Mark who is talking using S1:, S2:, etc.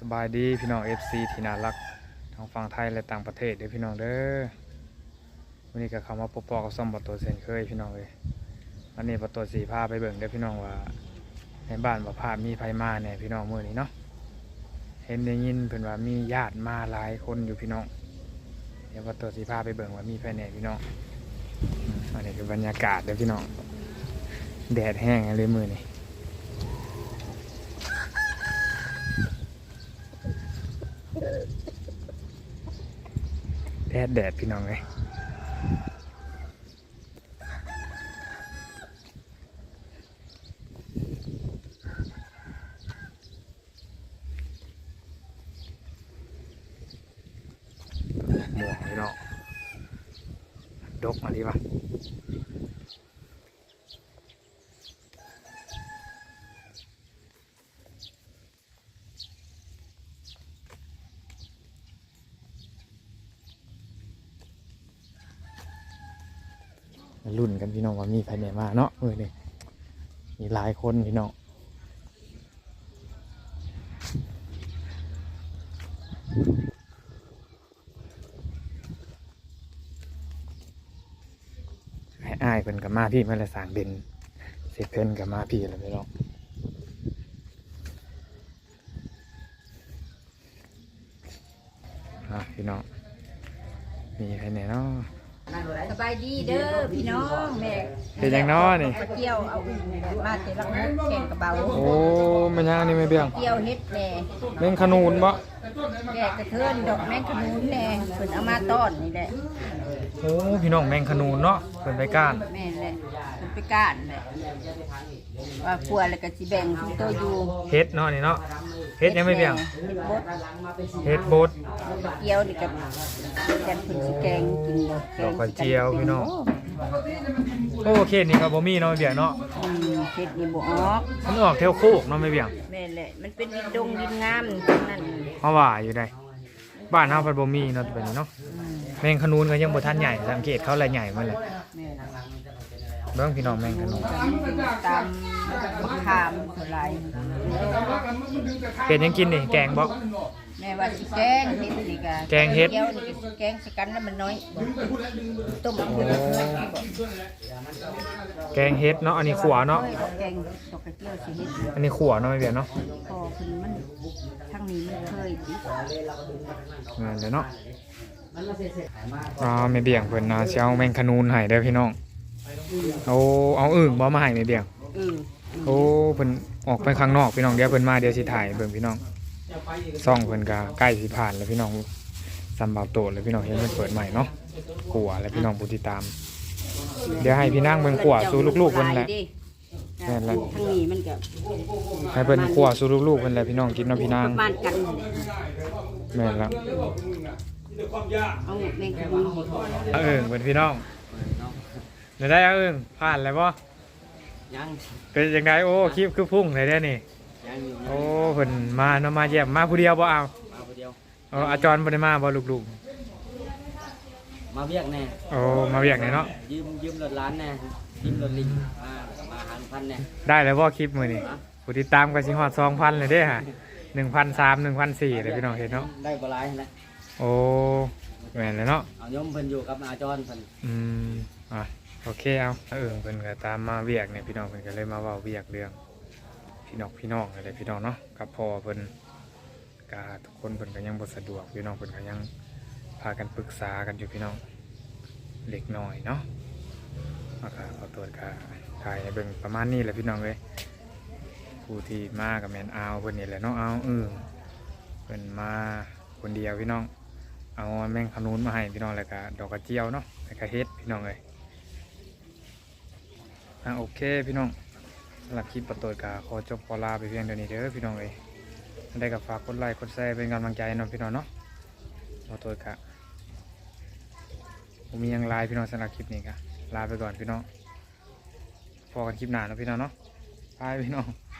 S1: สบายดีพี่น้อง FC ที่น่ารักทั้งฝั่งไทยและต่างประเทศเด้อพี่น้องเด้อวันนี้ก็เข้ามาพบปะกับซ่อมประตูเซนเคยพี่น้องเลยวันนี้ประตูสีพาไปเบิ่งเด้อพี่น้องว่าในบ้านว่าภาพมีไผมาเนี่ยพี่น้องมื้อนี้เนาะเห็นได้ยินเพิ่นว่ามีญาติมาหลายคนอยู่พี่น้องเดี๋ยวประตูสีพาไปเบิ่งว่ามีไผแน่พี่น้องอันนี้คือบรรยากาศเด้อพี่น้องแดดแห้งเลยมื้อนี้แดดพี่น้องเลยหมวกพี่น้องดกมาดีป่ะรุ่นกันพี่น้องว่ามีใครเนี่ยมาเนาะนี่มีหลายคนพี่น้องให้อายเพิ่นกับมาพี่มาละสางเด่นเสร็จเพิ่นกับมาพี่แล้วพี่น้องพี่น้องมีใครเนี่ยเนาะ
S2: สบายดีเด้อพี่น้องแม่
S1: เป็นยังน้อนี่
S2: ปลาเกี๊ยวเอามาเตะลังแข่งกระเบา
S1: โอ้มันยังนี่ไม่เบี้ยง
S2: เกี๊ยวเฮ็ดแหน่
S1: เม่งขนูนบ่
S2: แกะกระเทินดอกแมงขนุนแหน่เพิ่นเอามาต้อนนี่แหละ
S1: โอ้พี่น้องแมงขนูนเนาะเพิ่นไปก้าน
S2: แม่นแหละเพิ่นไปก้านแหละว่าครัวแล้วก็สิแบ่งทุกตัวอยู่
S1: เฮ็ดเนาะนี่เนาะเฮ็ดยังไม่เบี้ยงเฮ็ดบด
S2: เกี๊ยวนี่ก็กันเพิ่นสิแกงกิน
S1: ดอกกระเจียวพี่น้องโอ้เขตนี่ก็บ่มีเนาะเบี้ยงเนาะ
S2: เฮ็ดนี่บ่ออก
S1: มันออกแถวโคกเนาะไม่เบี้ยง
S2: แม่นแหละมันเป็นดินดงดินงามทั้งนั้น
S1: เฮาว่าอยู่ได้บ้านเฮาเพิ่นบ่มีเนาะแบบนี้เนาะแมงขนูนก็ยังบ่ทันใหญ่สังเกตเขาละใหญ่มันแหละเบิ่งพี่น้องแมงขนูน
S2: ตามมะขามเท่าไหร่
S1: เฮ็ดยังกินนี่แกงบ่
S2: แม่ว่าสิแกงเฮ็ดนี่ก็
S1: แกงเฮ็ด
S2: เกี๊ยวนี่ก็สิแกงสิกันแล้วมันน้อยต้มคือ
S1: แกงเฮ็ดเนาะอันนี้ขัวเนาะ
S2: แกงดอกกระเจียวสิเฮ็ด
S1: อันนี้ขัวเนาะไม่เบี้ยงเนาะ
S2: พอคือมันทางนี้มันเคยติ
S1: เดี๋ยวเนาะไม่เบี่ยงเพิ่นนะสิเอาแมงขนูนให้เด้อพี่น้องเอาอึ่งบ่มาให้ไม่เบี่ยงโอ้เพิ่นออกไปข้างนอกพี่น้องเดี๋ยวเพิ่นมาเดี๋ยวสิถ่ายเบิ่งพี่น้องซ่องเพิ่นก็ใกล้สิผ่านแล้วพี่น้องซัมบาวโตแล้วพี่น้องเห็นเพิ่นเปิดใหม่เนาะขัวแล้วพี่น้องผู้ติดตามเดี๋ยวให้พี่นางเบิ่งขัวสู่ลูกๆเพิ่นแหละ
S2: แม่นแล้วทางนี้มันก็
S1: ให้เพิ่นขัวสู่ลูกๆเพิ่นแหละพี่น้องกินเนาะพี่นาง
S2: บ้านกัน
S1: แม่นแล้ว
S2: เอาแมงขนุน
S1: เป็นพี่น้องเดี๋ยวได้ผ่านแล้วป่
S3: ยัง
S1: เป็นยังไงโอ้คลิปคือพุ่งเลยเนี่ยนี่โอ้เพิ่นมาเนาะมาเยี่ยมมาผู้เดียวบ่เอา
S3: มาผู้เดียว
S1: อาจารย์บ่ได้มาบ่ลูก
S3: มาเวียกแน่
S1: โอ้มาเวียกแน่เนาะ
S3: ยืมรถร้านแน่ยืมรถลิงมาหา1,000แน่
S1: ได้แล้วบ่คลิปมื้อนี้ผู้ติดตามก็สิฮอด 2,000 เลยเด้ฮะ 1,300 1,400เลยพี่น้องเห็นเนาะ
S3: ได้บ่หลายแล้ว
S1: โอ้แม่นเลยเนาะ
S3: เอายมเพิ่นอยู่กับอาจารย์เพิ่น
S1: โอเคเอาเพิ่นก็ตามมาเวียกเนี่ยพี่น้องเพิ่นก็เลยมาเว้าเวียกเรื่องพี่น้องอะไรพี่น้องเนาะกับพ่อเพิ่นก็ทุกคนเพิ่นก็ยังบ่สะดวกพี่น้องเพิ่นก็ยังพากันปรึกษากันอยู่พี่น้องเล็กน้อยเนาะขอตัวก็ถ่ายให้เบิ่งประมาณนี้แหละพี่น้องเอ้ยผู้ที่มากับแม่นเอาเพิ่นนี่แหละเนาะเพิ่นมาคนเดียวพี่น้องเอาแมงขนุนมาให้พี่น้องแล้วก็ดอกกระเจียวเนาะแล้วก็เฮ็ดพี่น้องเลยโอเคพี่น้องสำหรับคลิปประตูกาขอจบขอลาไปเพียงเท่านี้เด้อพี่น้องเลยได้กับฝากกดไลค์กดแชร์เป็นกำลังใจน้องพี่น้องเนาะประตูกาผมมียังไลน์พี่น้องสำหรับคลิปนี้กะลาไปก่อนพี่น้องพอกันคลิปหน้าเนาะพี่น้องเนาะบายพี่น้อง